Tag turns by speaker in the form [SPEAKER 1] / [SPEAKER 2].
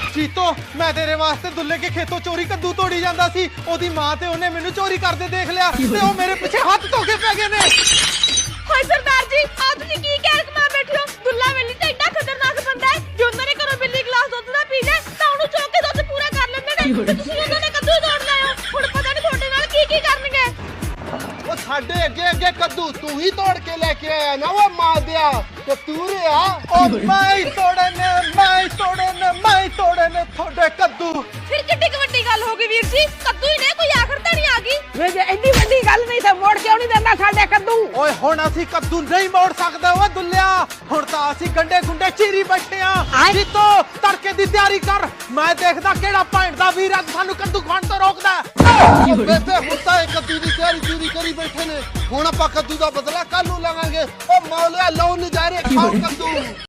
[SPEAKER 1] ਜੀਤੋ ਮੈਂ ਤੇਰੇ ਵਾਸਤੇ ਦੁੱਲੇ ਕੇ ਖੇਤੋਂ ਚੋਰੀ ਕੱਦੂ ਤੋੜੀ ਜਾਂਦਾ ਸੀ। ਉਹਦੀ ਮਾਂ ਤੇ ਉਹਨੇ ਮੈਨੂੰ ਚੋਰੀ ਕਰਦੇ ਦੇਖ ਲਿਆ ਤੇ ਉਹ ਮੇਰੇ ਪਿੱਛੇ ਹੱਥ ਧੋ ਕੇ ਪੈ ਗਏ ਨੇ।
[SPEAKER 2] ਹਾਏ ਸਰਦਾਰ ਜੀ, ਆ ਤੁਸੀਂ ਕੀ ਕਹਿ ਕਮਾ ਬੈਠੇ ਹੋ? ਦੁੱਲਾ ਵੇਲੀ ਤਾਂ ਐਡਾ ਖਤਰਨਾਕ ਬੰਦਾ ਹੈ, ਜੇ ਉਹਨਾਂ ਨੇ ਘਰੋਂ ਬਿੱਲੀ ਗਲਾਸ ਦੁੱਧ ਦਾ ਪੀ ਜਾਏ ਤਾਂ ਉਹਨੂੰ ਚੁੱਕ ਕੇ ਦੁੱਧ ਪੂਰਾ ਕਰ ਲੈਂਦੇ ਨੇ ਤੇ ਤੁਸੀਂ ਉਹਨਾਂ ਨੇ ਕੱਦੂ ਤੋੜ ਲਿਆ। ਹੁਣ ਪਤਾ ਨਹੀਂ ਤੁਹਾਡੇ ਨਾਲ ਕੀ ਕੀ ਕਰਨਗੇ।
[SPEAKER 3] ਉਹ ਸਾਡੇ ਅੱਗੇ ਕੱਦੂ ਤੂੰ ਹੀ ਤੋੜ ਕੇ ਲੈ ਕੇ ਆਇਆ ਨਾ ਉਹ ਮਾਂ ਦਿਆ ਤੇ ਤੂੰ ਰਿਆ।
[SPEAKER 1] ਉਹ ਮੈਂ ਤੋੜਨ ਤੁਹਾਡੇ ਕੱਦੂ।
[SPEAKER 2] ਫਿਰ ਕਿੱਡੀ ਕੁ ਵੱਡੀ ਗੱਲ ਹੋ ਗਈ ਵੀਰ ਜੀ, ਕੱਦੂ ਹੀ ਨੇ, ਕੋਈ ਆਖਰ ਤਾਂ ਨਹੀਂ ਆ ਗਈ।
[SPEAKER 4] ਵੇ ਜੇ ਐਡੀ ਵੱਡੀ ਗੱਲ ਨਹੀਂ ਤਾਂ ਮੋੜ ਕਿਉਂ ਨਹੀਂ ਦਿੰਦਾ ਸਾਡੇ ਕੱਦੂ?
[SPEAKER 1] ਓਏ ਹੁਣ ਅਸੀਂ ਕੱਦੂ ਨਹੀਂ ਮੋੜ ਸਕਦੇ ਓਏ ਦੁੱਲਿਆ, ਹੁਣ ਤਾਂ ਅਸੀਂ ਗੰਡੇ ਗੁੰਡੇ ਚੀਰੀ ਬੈਠੇ ਆ। ਜੀਤੋ ਤੜਕੇ ਦੀ ਤਿਆਰੀ ਕਰ, ਮੈਂ ਦੇਖਦਾ ਕਿਹੜਾ ਭੈਣ ਦਾ ਵੀਰ ਅੱਜ ਸਾਨੂੰ ਕੱਦੂ ਖਾਣ ਤੋਂ ਰੋਕਦਾ।
[SPEAKER 3] ਬੇਬੇ ਹੁਣ ਤਾਂ ਇਹ ਕੱਦੂ ਦੀ ਤਿਆਰੀ ਚੂਰੀ ਕਰੀ ਬੈਠੇ ਨੇ, ਹੁਣ ਆਪਾਂ ਕੱਦੂ ਦਾ ਬਦਲਾ ਕੱਲ ਨੂੰ ਲਵਾਂਗੇ। ਉਹ ਮੌਲਿਆ ਲਓ ਨਜ਼ਾਰੇ ਖਾਓ ਕੱਦੂ।